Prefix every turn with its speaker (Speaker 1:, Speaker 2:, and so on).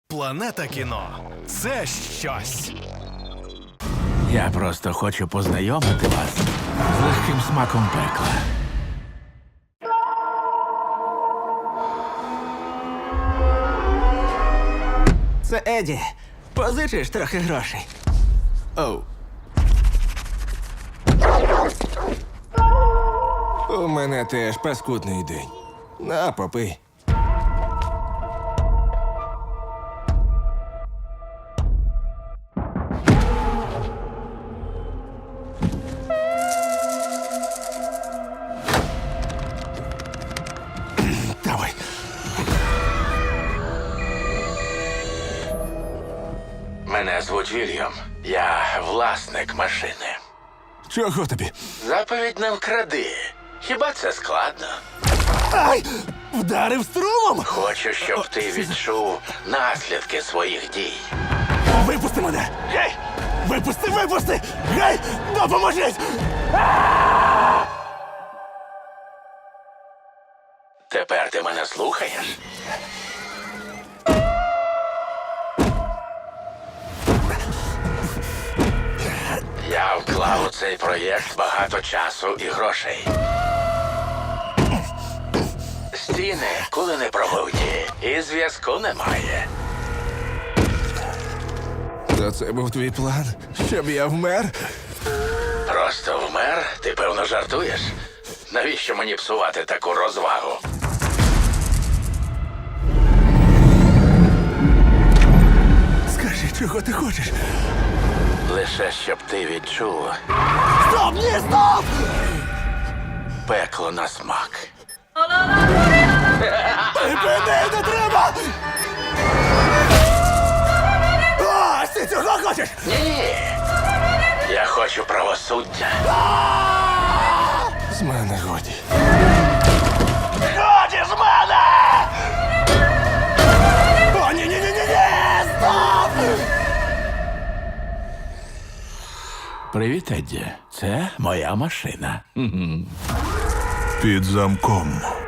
Speaker 1: Планета кіно – це щось.
Speaker 2: Я просто хочу познайомити вас з легким смаком пекла.
Speaker 3: Це Еді. Позичиш трохи грошей.
Speaker 2: Оу.
Speaker 4: У мене теж паскудний день. На, попий.
Speaker 2: Давай. Мене звуть Вільям. Я власник машини.
Speaker 4: Чого тобі?
Speaker 2: Заповідь не вкради. Хіба це складно?
Speaker 4: Ай! Вдарив струмом!
Speaker 2: Хочу, щоб ти відчув наслідки своїх дій.
Speaker 4: Випусти мене! Гей! Випусти, випусти! Гей! Допоможіть!
Speaker 2: Тепер ти мене слухаєш? Я вклав у цей проєкт багато часу і грошей. Стіни коли не пробуті, і зв'язку немає.
Speaker 4: То це був твій план? Щоб я вмер?
Speaker 2: Просто вмер? Ти, певно, жартуєш? Навіщо мені псувати таку розвагу?
Speaker 4: Скажи, чого ти хочеш?
Speaker 2: Лише щоб ти відчув
Speaker 4: Стоп! Ні, стоп!
Speaker 2: пекло на смак.
Speaker 4: Припини, не треба! Ось ти цього хочеш!
Speaker 2: Ні. Я хочу правосуддя.
Speaker 4: З мене годі.
Speaker 2: Годі з мене!
Speaker 4: О, ні-ні-ні-ні! Стоп!
Speaker 2: Привіт, Едді. Це моя машина.
Speaker 5: Під замком.